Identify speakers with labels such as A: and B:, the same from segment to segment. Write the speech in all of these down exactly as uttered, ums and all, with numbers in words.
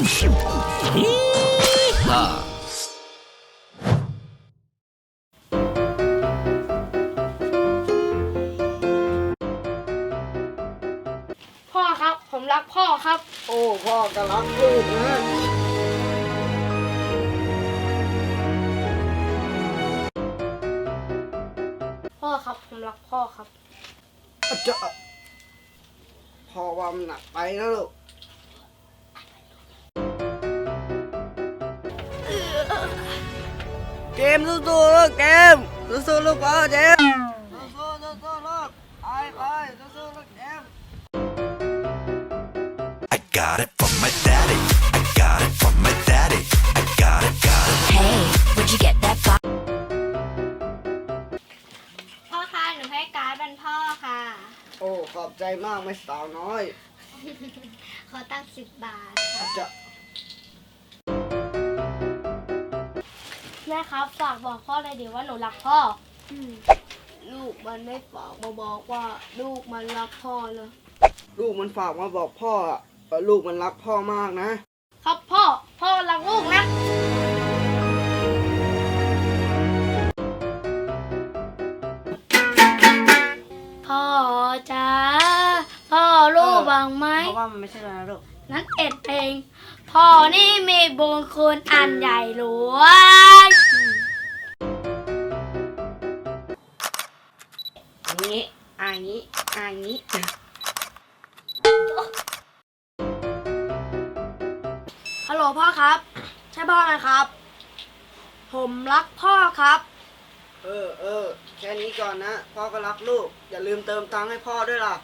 A: พ่อครับผมรักพ่อครับ
B: โอ้พ่อก็รักลูกนะ
A: พ่อครับผมรักพ่อครับ
B: จะพ่อว่ามันหนักไปนะลูกเกมสู้ๆลูกเกมสู้ๆลูกพ่อเจมสู้ๆสู้ๆลูกไปไปสู้ๆลูกเจม
C: I got it from my daddy. I got it from my daddy. I got it, got it.
D: Hey, where'd you get that box?
A: พ่อคะหนูให้การ์ดเป็นพ่อค่ะ
B: โอ้ขอบใจมากไม่สาวน้อย
A: ขอตั้งสิบบาทค่ะ
B: จะ
A: แม่ครับฝากบอกพ่อเลยดิว่าหนูรักพ่อลูกมันไม่ฝากมาบอกว่าลูกมันรักพ่อเลย
B: ลูกมันฝากมาบอกพ่ออะว่าลูกมันรักพ่อมากนะครับ
A: พ่อพ่อรักลูกนะพ่อจ้าพ่อรู้บ้างไหม
B: เพราะว่ามันไม่ใช่แล้วนะลูก
A: นั้นเอ็ดเองพ่อนี่มีบุญคุณอันใหญ่หลวง
B: อันนี้อันนี้อันนี้
A: ฮัลโหลพ่อครับใช่พ่อไหมครับ ผมรักพ่อครับ
B: เออเออแค่นี้ก่อนนะพ่อก็รักลูกอย่าลืมเติมตังค์ให้พ่อด้วยล่ะ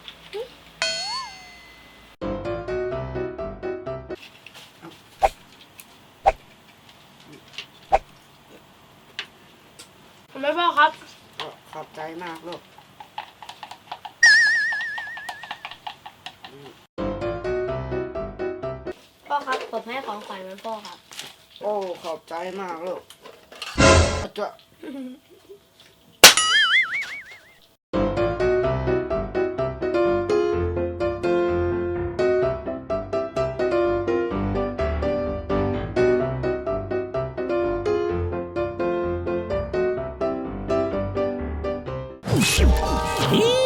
A: ผมไม่พ่อครับ
B: ขอบใจมากลูก
A: พ่อครับผมให้ของขวัญมันพ่อครับ
B: โอ้ขอบใจมากลูกจะ
C: Hee